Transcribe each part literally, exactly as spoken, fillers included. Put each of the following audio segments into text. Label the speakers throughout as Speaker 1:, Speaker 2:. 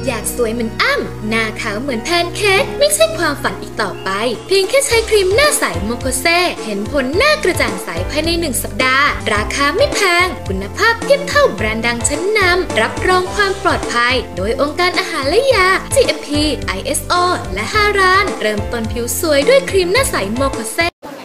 Speaker 1: อยากสวยเหมือนอ้ำหน้าขาวเหมือนแพนเค้กไม่ใช่ความฝันอีกต่อไปเพียงแค่ใช้ครีมหน้าใสโมโคเซเห็นผลหน้ากระจ่างใสภายในหนึ่งสัปดาห์ราคาไม่แพงคุณภาพเทียบเท่าแบรนด์ดังชั้นนำรับรองความปลอดภัยโดยองค์การอาหารและยา จี เอ็ม พี ไอ เอส โอ และฮารานเริ่มต้นผิวสวยด้วยครีมหน้าใสโมโคเซ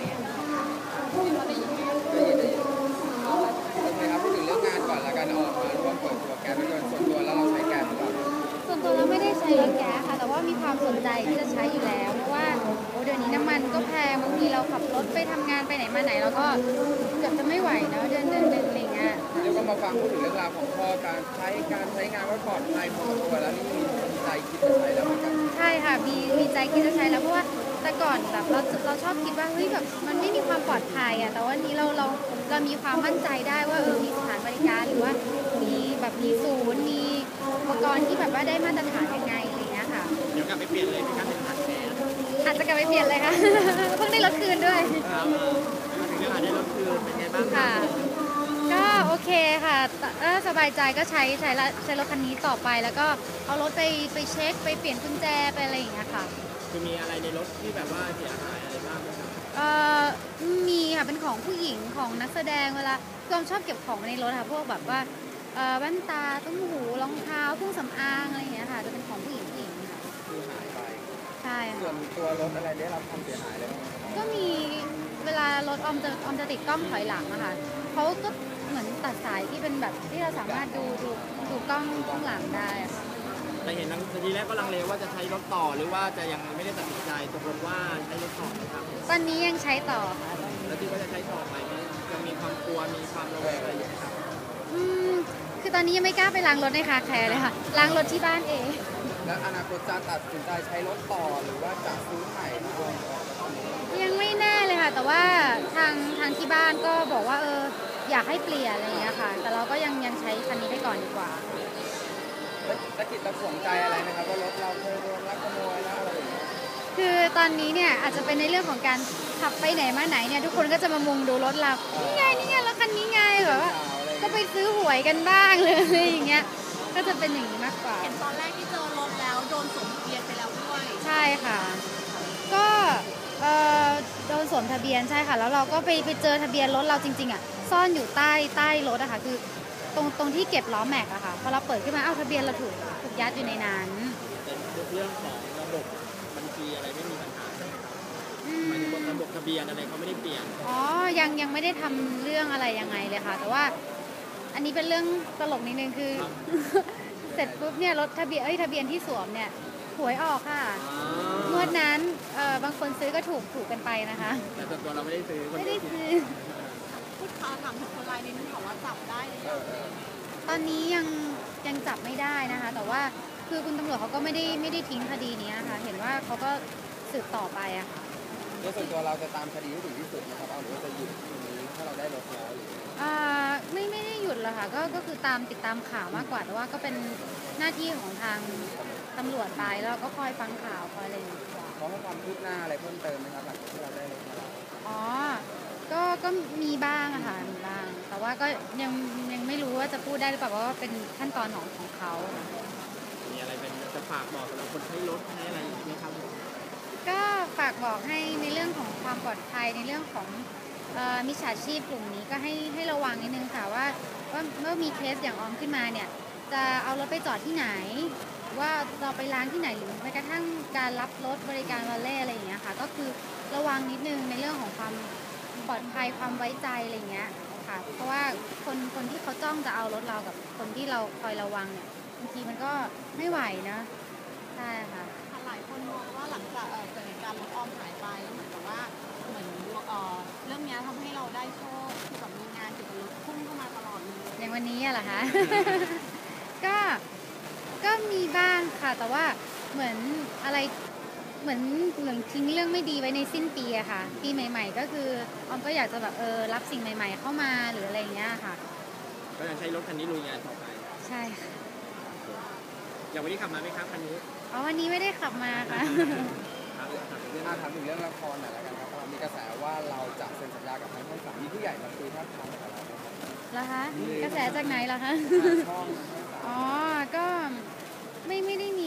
Speaker 2: มีความสนใจที่จะใช้อยู่แล้วเพราะว่าโอ้เดี๋ยวนี้น้ำมันก็แพงบางทีเราขับรถไปทำงานไปไหนมาไหนเราก็เกือบจะไม่ไหวแล้วเดินเดินเดินอะไรเงี้ย
Speaker 3: เดี๋ยวก็มาฟังพูดถึงเรื่องราวของพ่อการใช้การใช้งานว่าปลอดภัยพอตัวแล้วนี่มีใจคิดจะใช้แล้วเหมือนกัน
Speaker 2: ใช่ค่ะมีมีใจคิดจะใช้แล้วเพราะว่าแต่ก่อนแบบเราเราชอบคิดว่าเฮ้ยแบบมันไม่มีความปลอดภัยอ่ะแต่ว่านี้เราเราเรามีความมั่นใจได้ว่าเออมีสถานบริการหรือว่ามีแบบมีศูนย์มีอุปกรณ์ที่แบบว่าได้มาตรฐานยังไงอะไรเงี้ยค่ะ
Speaker 3: เดี๋ยวกลับไปเปลี่ยนเลยในการเป็นถังแทน
Speaker 2: อาจจะกลับไปเปลี่ยนเลยค่ะเพิ่งได้รถคืนด้วย
Speaker 3: ครับมาถึงเรื่องได้รถคืนเป็นไงบ้าง
Speaker 2: ค่ะก็โอเคค่ะถ้าสบายใจก็ใช้ใช้ใช้รถคันนี้ต่อไปแล้วก็เอารถไปไปเช็คไปเปลี่ยนกุญแจไปอะไรอย่างเงี้ยค่ะ
Speaker 3: คือมีอะไรในรถที่แบบว่าเสียหายอะไรบ้างไหมครับ
Speaker 2: เอ่อมีค่ะเป็นของผู้หญิงของนักแสดงเวลาก็ชอบเก็บของในรถค่ะพวกแบบว่าแว่นตาตุ้มหูรองเท้าเครื่องสำอางอะไรอย่างเงี้ยค่ะจะเป็นของผู้หญิงผู้หญิงค่ะ
Speaker 3: คือหายไป
Speaker 2: ใช่
Speaker 3: ส่วนตัวรถอะไรได้รับความเสียหายอะไรบ้าง
Speaker 2: ก็มีเวลารถออมจะออมจะติดกล้องถอยหลังอะค่ะเขาก็เหมือนตัดสายที่เป็นแบบที่เราสามารถดูดูดูกล้องข้างหลังได้
Speaker 3: แต่เห็นทีแรกก็ลังเลว่าจะใช้รถต่อหรือว่าจะยังไม่ได้ตัดสินใจตกลงว่าใช้รถต่อครับ
Speaker 2: ตอนนี้ยังใช้ต่อค่ะ
Speaker 3: แล้วที่ว่าจะใช้ต่อไปจะมีความกลัวมีความระแวงอะไรอย่างไรครับ
Speaker 2: อืมคือตอนนี้ยังไม่กล้าไปล้างรถในคาแคร์เลยค่ะล้างรถที่บ้านเอง
Speaker 3: แล้วอนาคตจะตัดสินใจใช้รถต่อหรือว่าจะซื้อใหม่
Speaker 2: ยังไม่แน่เลยค่ะแต่ว่าทางทางที่บ้านก็บอกว่าเอออยากให้เปลี่ยนอะไรอย่างเงี้ยค่ะแต่เราก็ยังยังใช้คันนี้ไปก่อนดีกว่า
Speaker 3: ตะกิดตะขวงใจอะไรนะครับว่ารถเราเคยโดนลักขโมยแล้วอะไรอย่างเงี้ย
Speaker 2: คือตอนนี้เนี่ยอาจจะเป็นในเรื่องของการขับไปไหนมาไหนเนี่ยทุกคนก็จะมามุงดูรถเรานี่ไงนี่ไงรถคันนี้ไงแบบว่าก็ไปซื้อหวยกันบ้างเลยอย่างเงี้ยก็จะเป็นอย่างนี้มากกว่า
Speaker 4: เห็นตอนแรกที่เจอรถแล้วโดนสวมทะเบียนไปแล้วด้วย
Speaker 2: ใช่ค่ะก็เอ่อโดนสวมทะเบียนใช่ค่ะแล้วเราก็ไปไปเจอทะเบียนรถเราจริงๆอ่ะซ่อนอยู่ใต้ใต้รถอะค่ะคือตรงตรงที่เก็บล้อแม็กอะค่ะพอเราเปิดขึ้นมาเอ้าทะเบียนเราถูกถูกยัดอยู่ในนั้น
Speaker 3: เป็นเรื่องของระบบบัญชีอะไรไม่มีปัญหาใช่ไหมครับหมายถึงว่าระบบทะเบียนอะไรเขาไม่ได้เปลี่ยน
Speaker 2: อ๋อยังยังไม่ได้ทำเรื่องอะไรยังไงเลยค่ะแต่ว่าอันนี้เป็นเรื่องตลกนิดนึงคือเสร็จปุ๊บเนี่ยรถทะเบียนเอ้ยทะเบียนที่สวมเนี่ยหวยออกค่ะงวดนั้นเอ่อบางคนซื้อก็ถูกถูกกันไปนะคะ
Speaker 3: แต่ตัวเราไม่ได้ซื้อ
Speaker 2: ไม่ได้ซื้อ
Speaker 4: พูดข่าวถามถึงคนร้ายนิดนึงค่ะว่าจับได้หรือยัง
Speaker 2: ตอนนี้ยังยังจับไม่ได้นะคะแต่ว่าคือคุณตำรวจเขาก็ไม่ได้ไม่ได้ทิ้งคดีนี้ค่ะเห็นว่าเขาก็สืบต่อไปอะค่ะ
Speaker 3: ในส่วนตัวเราจะตามคดีให้ถึงที่สุดนะครับเอาหรือว่าจะหยุดตรงนี้ถ้าเราได้รถแล้วหรือ
Speaker 2: อ่าไม่ไม่ได้หยุดหรอกค่ะก็ก็คือตามติดตามข่าวมากกว่าแต่ว่าก็เป็นหน้าที่ของทางตำรวจไปแล้วก็คอยฟังข่าวคอยอะไรอย่างเงี้ย
Speaker 3: เขาให้ความคืบหน้าอะไรเพิ่มเติมไหมครับหลังจากที่เราได้รถมาแล้ว
Speaker 2: อ๋อก็ก็มีบ้างอะค่ะมีบ้างแต่ว่าก็ยังยังไม่รู้ว่าจะพูดได้หรือเปล่าเพราะว่าเป็นขั้นตอนของของเขา
Speaker 3: มีอะไรเป็นจะฝากบอกสำหรับคนใช้รถให้อะไรไหมครับ
Speaker 2: ก็ฝากบอกให้ในเรื่องของความปลอดภัยในเรื่องของมิจฉาชีพกลุ่มนี้ก็ให้ให้ระวังนิดนึงค่ะว่าว่าเมื่อมีเคสอย่างออมขึ้นมาเนี่ยจะเอารถไปจอดที่ไหนว่าเราไปล้างที่ไหนหรือแม้กระทั่งการรับรถบริการวอลเล่อะไรอย่างเงี้ยค่ะก็คือระวังนิดนึงในเรื่องของความปลอดภัยความไว้ใจอะไรเงี้ยค่ะเพราะว่าคนคนที่เขาจ้องจะเอารถเรากับคนที่เราคอยระวังเนี่ยบางทีมันก็ไม่ไหวนะใช่ค่ะ
Speaker 4: หลายคนมองว่าหลังจากเกิดเหตุการณ์รถออมหายไปแล้วเหมือนกับว่าเหมือนเรื่องนี้ทำให้เราได้โชคที่แบบมีงานเกี่ยวกับรถพุ่งเข้ามาตลอดเลย
Speaker 2: อย่างวันนี้อะเหรอคะก็ก็มีบ้างค่ะแต่ว่าเหมือนอะไรเหมือนเหมือนทิ้งเรื่องไม่ดีไว้ในสิ้นปีอะค่ะปีใหม่ๆก็คือออมก็อยากจะแบบเออรับสิ่งใหม่ๆเข้ามาหรืออะไรเงี้ยค่ะ
Speaker 3: ก็ยังใช้รถคันนี้ลุยงานต่อไป
Speaker 2: ใช่ค่ะ
Speaker 3: อย่างวันนี้ขับมาไหมครับคันนี้
Speaker 2: อ๋อวันนี้ไม่ได้ขับมาค่ะ
Speaker 3: ครับเรื่องถามถึงเรื่องละครหน่อยแล้วกันครับมีกระแสว่าเราจะเซ็นสัญญากับทางช่องสามมีผู้ใหญ่มาคุยท่าทางกับเรา
Speaker 2: เหรอคะกระแสจากไหนเหรอคะอ๋อก็ไม่ไม่ได้มี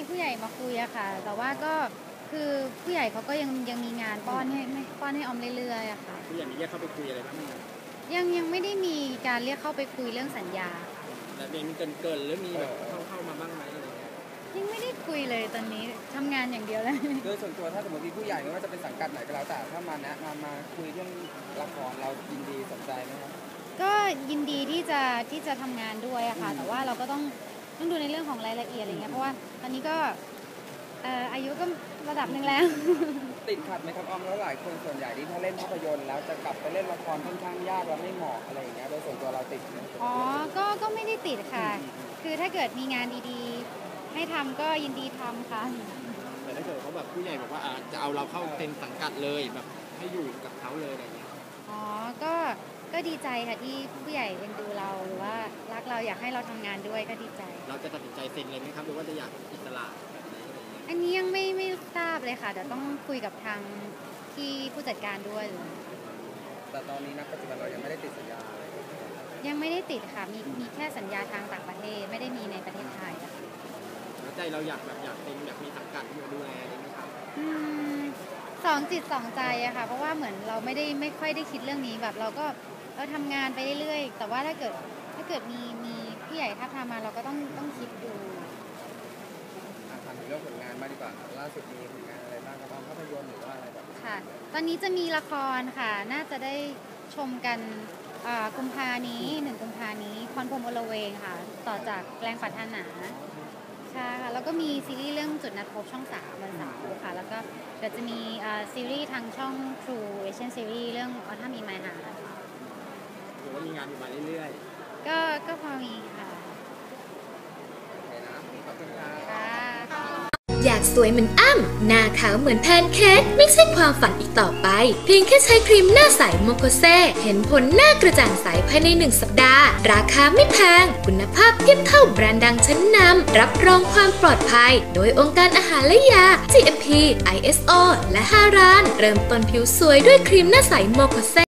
Speaker 2: มาคุยอะค่ะ แต่ว่าก็คือผู้ใหญ่เขาก็ยังยังมีงานป้อนให้ไม่ป้อนให้ออมเรื่อยๆอะค่ะ
Speaker 5: ผู้ใหญ่มีเรียกเข้าไปคุยอะไรบ้างไหม
Speaker 2: ยังยังไม่ได้มีการเรียกเข้าไปคุยเรื่องสัญญา
Speaker 5: แล้วมีเกินเกินหรือมีแบบเข้าเข้ามาบ้างไหมอะไรเงี้ย
Speaker 2: ยังไม่ได้คุยเลยตอนนี้ทำงานอย่างเดียวเลย
Speaker 3: โดยส่วนตัวถ้าสมมติมีผู้ใหญ่ไม่ว่าจะเป็นสังกัดไหนก็แล้วแต่ถ้ามาแนะมามาคุยเรื่องละครเรายินดีสนใจไหมครับ
Speaker 2: ก็ยินดีที่จะที่จะทำงานด้วยอะค่ะ แต่ว่าเราก็ต้องต้องดูในเรื่องของรายละเอียดอะไรเงี้ยเพราะว่าตอนนี้ก็เอ่ออายุก็ระดับหนึ่งแล้ว
Speaker 3: ติดขัดไหมครับออมแล้วหลายคนส่วนใหญ่ที่ถ้าเล่นภาพยนตร์แล้วจะกลับไปเล่นละครค่อนข้างยากแล้วไม่เหมาะอะไรอย่างเงี้ยโดยส่วนตัวเราติดไหม
Speaker 2: อ๋อ ก็ ก็ไม่ได้ติดค่ะ คือถ้าเกิดมีงานดีๆ ให้ทำก็ยินดีทำค่ะ
Speaker 5: แต่ถ้าเกิดเขาแบบผู้ใหญ่บอกว่าอ่าจะเอาเราเข้าเต็มสังกัดเลยแบบให้อยู่กับเขาเลยอะไรเงี้ย
Speaker 2: อ๋อ ก็ ก็ดีใจค่ะที่ผู้ใหญ่เอ็นดูเราหรือว่ารักเราอยากให้เราทำงานด้วยก็ดีใจ
Speaker 5: เราจะตัดสินใจเซ็นเลยไหมครับหรือว่าจะอยากอิสระแบบไหนอะไรเงี้ย
Speaker 2: อันนี้ยังไม่ไม่ทราบเลยค่ะเดี๋ยวต้องคุยกับทางที่ผู้จัดการด้วย
Speaker 3: แต่ตอนนี้ณปัจจุบันเรายังไม่ได้ติดสัญญาอะไร
Speaker 2: ยังไม่ได้ติดค่ะ มี มีแค่สัญญาทางต่างประเทศ ไม่ได้มีในประเทศไทยอะค่ะ
Speaker 5: แล้วใจเราอยากแบบอยากเป็นแบบมีสังกัดที่มาดูแลอะไรไหมครับ
Speaker 2: อืมสองจิตสองใจอะค่ะ เพราะว่าเหมือนเราไม่ได้ไม่ค่อยได้คิดเรื่องนี้แบบเราก็เราทำงานไปเรื่อยๆ แต่ว่าถ้าเกิดถ้าเกิดมีมีผู้ใหญ่ท้าบทามมาเราก็ต้องต้องคิดดู
Speaker 3: อ่ะถามถึงเรื่องผลงานมางดีกว่าครับล่าสุดมีผลงานอะไรบ้างครับออมภาพยนตร์หรือว่าอะไรแบบนี้
Speaker 2: ค่ะ ตอนนี้จะมีละครค่ะ น่าจะได้ชมกันอ่ากุมภานี้หนึ่งกุมภานี้พรพรหมอลเวงค่ะ ต่อจากแรงปรารถนาใช่ค่ะ แล้วก็มีซีรีส์เรื่องจุดนัดพบช่องสามวันเสาร์ค่ะ แล้วก็เดี๋ยวจะมีอ่าซีรีส์ทางช่อง True Asian Series เรื่อง Autumn in My Heart
Speaker 5: หรือว่ามีงานอยู่มาเรื่อย
Speaker 2: ก็ก็พอมีค่ะ
Speaker 3: โอเคนะขอบคุณครับ
Speaker 2: ค่ะ
Speaker 1: อยากสวยเหมือนอ้ำหน้าขาวเหมือนแพนเค้กไม่ใช่ความฝันอีกต่อไป เพียงแค่ใช้ครีมหน้าใสโมโคเซเห็นผลหน้ากระจ่างใสภายในหนึ่งสัปดาห์ ราคาไม่แพง คุณภาพเทียบเท่าแบรนด์ดังชั้นนำรับรองความปลอดภัย โดยองค์การอาหารและยา จี เอ็ม พี ไอ เอส โอ และฮารานเริ่มต้นผิวสวยด้วยครีมหน้าใสโมโคเซ